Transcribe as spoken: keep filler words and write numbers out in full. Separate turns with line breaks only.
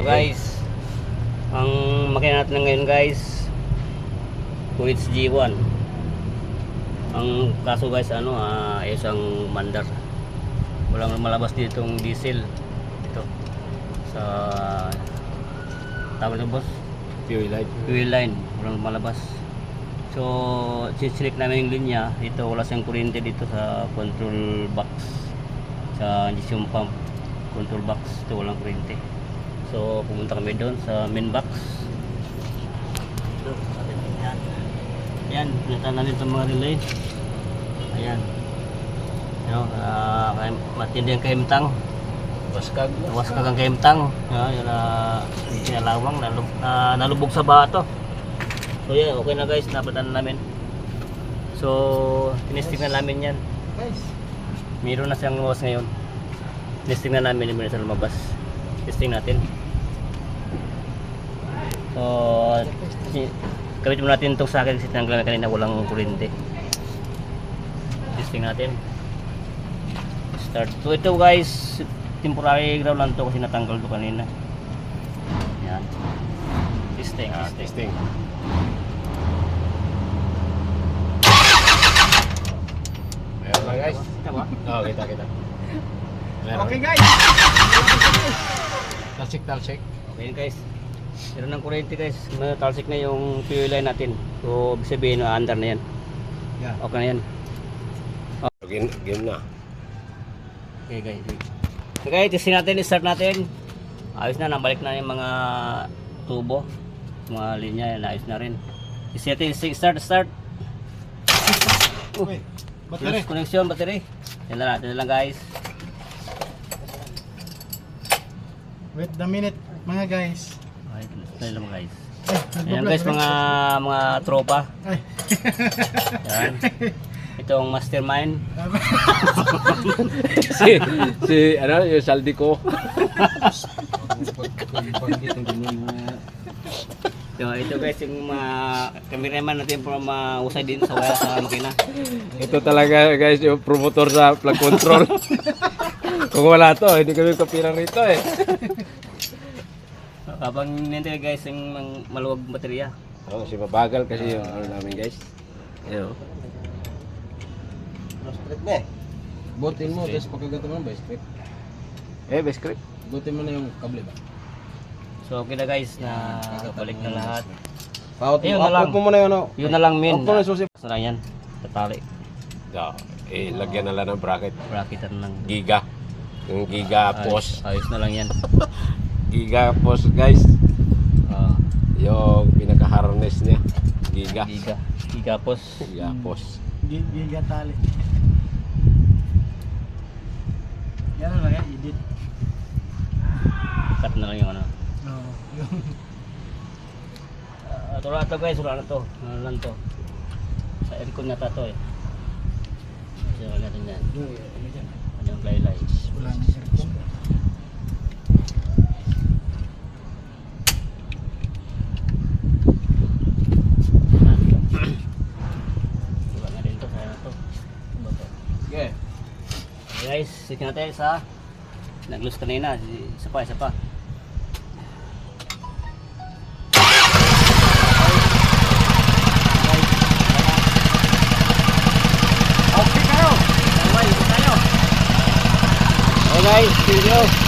guys, ang makina natin ngayon guys, Kuwait G one. Ang kaso guys, ano, uh, isang mandar. Walang malabas dito yung diesel. Ito. Sa tawag ito boss?
Fuel line.
Fuel line. Walang malabas. So, siselect namin yung linya. Ito, wala siyang kuryente dito sa control box. Sa injection pump. Control box. Ito, walang kuryente. So, pumunta kami doon sa main box. Ito, yan. Yan, pinata namin itong mga relay. Ayan. Ano, uh, matindi ang kahimtang.
Waskag.
Waskag ang kahimtang. Uh, yun, uh, pinalawang, nalub, uh, nalubog sa bato. So, yan, okay na guys, napatan na namin. So, tinesting na namin yan.
Guys.
Mayroon na siyang luwas ngayon. Tinesting na namin, hindi na siya lumabas. Testing natin. So, gamitin mo natin itong sakit kasi tinanggal na kanina walang kuryente. Testing natin. Start. So ito guys, temporary ground lang to kasi natanggal to kanina. Yan. Testing.
Ah,
Testing.
testing. Ayan lang guys.
Kita ba?
Oo, kita kita. Meron.
Okay guys.
Talsik talsik.
Okay guys. Meron ng kuryente guys. May talsik na yung fuel line natin. So ibig sabihin na under na yan.
Yeah.
Okay na yan.
Game, game na.
Okay guys. Okay, testing natin, start natin. Ayos na, nabalik na yung mga tubo. Mga linya, ayos na rin. Testing natin, start, start.
Wait. Battery.
Close connection, battery. Yan na natin lang guys.
Wait a minute mga guys.
Okay, close lang guys.
Ay,
Ayan guys, mga mga tropa.
Ay.
Yan. Itong mastermind.
si si ano, yung saldi ko.
So, ito guys, yung mga cameraman natin para mausay din sa wala sa makina.
Ito talaga guys, yung promotor sa plug control. Kung wala to, hindi kami kapirang rito eh.
Habang nintay guys, yung mang- maluwag baterya.
Oo, si mabagal kasi yung ano namin guys. Ayun.
Straight na eh. Butin mo, tapos pagkagato mo ba straight?
Eh, best grip.
Butin mo na yung kable ba?
So okay na guys, na balik na lahat.
Paut
Ayun na lang.
mo muna yun. oh.
Yun na lang min.
Off mo na yung susi.
Sa yan, tatali.
Yeah. Eh, lagyan na lang ng bracket.
Bracketan lang.
Giga. Yung giga post.
Ayos, ayos na lang yan.
Giga post guys.
Uh,
Yung pinaka-harness niya. Giga.
giga. Giga pos.
Giga post.
Giga tali. Yan na lang yan, edit.
Cut na lang yung ano.
Oo.
Uh, ito na ito guys, wala na to. Ano lang to. Sa aircon na to eh. Kasi wala natin yan. Ano yung laylay.
Wala na aircon.
Wala na rin to, kaya na to. Ano ba to?
Okay.
Okay guys, sit natin sa nag-loose kanina. Isa pa, isa pa. Okay kayo. Okay, tayo. Okay guys, thank you.